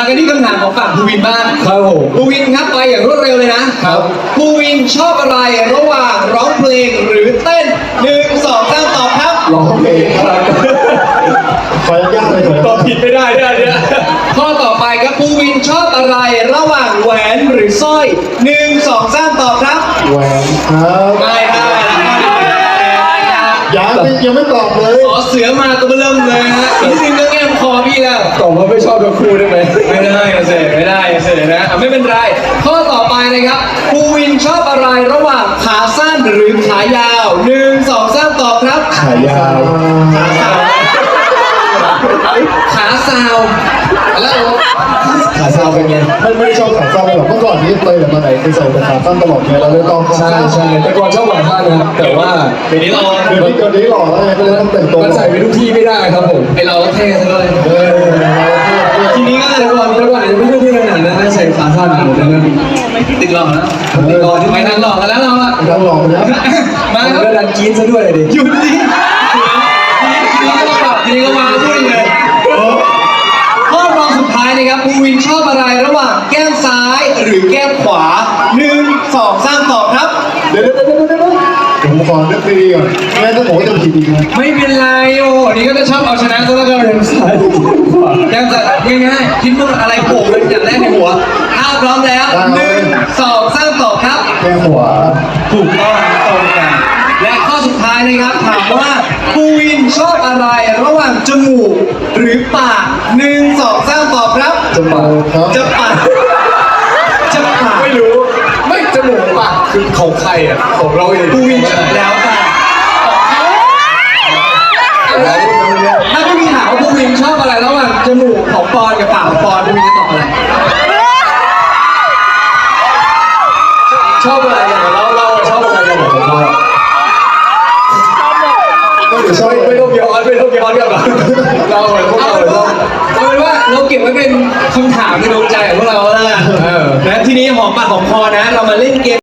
กันที่คำถามของฝั่งภูวินบ้างครับผมภูวินครับไปอย่างรวดเร็วเลยนะครับ ภูวินชอบอะไรระหว่างร้องเพลงหรือเต้น1 2 3ตอบครับร้องเพลงครับขอยากๆเลยเถอะตอบผิดไม่ได้เนี่ยข้อต่อไปครับภูวินชอบอะไรระหว่างแหวนหรือสร้อย1 2 3ตอบครับแหวนครับไม่ได้นะครับยังไม่ตอบเลยขอเสือมาตัวเริ่มเลยฮะอีกนิดนึงก็แง้มคอพี่แล้วตอบว่าไม่ชอบทั้งคู่ได้ไหมไม่ได้เสร็จไม่ได้เสร็จนะไม่เป็นไร ข้อต่อไปนะครับภูวินชอบอะไรระหว่างขาสั้นหรือขายาว1 2 3ตอบครับขายาวขาซาวแล้วขาซาวเป็นไงไม่ได้ชอบขาสั้นเลยหรอกเมื่อก่อนนี้ไปแต่มาไหนคือใส่แต่ขาสั้นตลอดเลยเราเลยต้องใช่ใช่แต่ก่อนชอบหวานมากนะครับแต่ว่าเดี๋ยวนี้เราเดี๋ยวนี้หล่อแล้วไงก็เลยต้องแต่งตัวมันใส่ไปทุกที่ไม่ได้ครับผมไอเราเท่ซะเลย ทีนี้ก็เลยแต่ก่อนอาจจะไม่ได้ที่ขนาดนั้นนะใส่ขาสั้นหมดเลยนะติดหลอกนะติดหลอกที่ไปทางหลอกกันแล้วเราอะยังหล่อนะมาครับก็ดันกรี๊ดซะด้วยดิหยุดดิทีนี้ก็ปรับทีนี้ก็มาพูดเลยข้อรองสุดท้ายนะครับภูวินชอบอะไรระหว่างแก้มซ้ายหรือแก้มขวา1 2 3ตอบครับเดี๋ยวผมขอนึกดีๆก่อนไม่งั้นถ้าผมจะผิดอีกนะไม่เป็นไรโอ้นี่ก็จะชอบเอาชนะซะแล้วกันซ้ายขวาแก้มซ้ายง่ายๆคิดว่าอะไรโผล่เป็นอย่างแรกในหัวถ้าพร้อมแล้ว1 2 3ตอบครับแค่ขวาถูกต้องตรงกัน และข้อสุดท้ายนะครับถามว่าภูวินชอบอะไรระหว่างจมูกหรือปาก1 2 3ตอบครับจะมาครับจะปากจะปากไม่รู้ไม่จมูกปากคือของใครอ่ะของเราเองภูวินแล้วแต่ถ้าไม่มีถามว่าภูวินชอบอะไรระหว่างจมูกของปอนกับปากของปอนภูวินจะตอบอะไรชอบอะไรอย่างเราชอบอะไรอย่างของเราก็เดี๋ยวชอบไม่ต้องย้อนกันหรอกเราเหมือนพวกเอาเราเป็นว่าเราเก็บไว้เป็นคำถามในดวงใจของพวกเราแล้วกันนะทีนี้หอมปากหอมคอนะ เรามาเล่น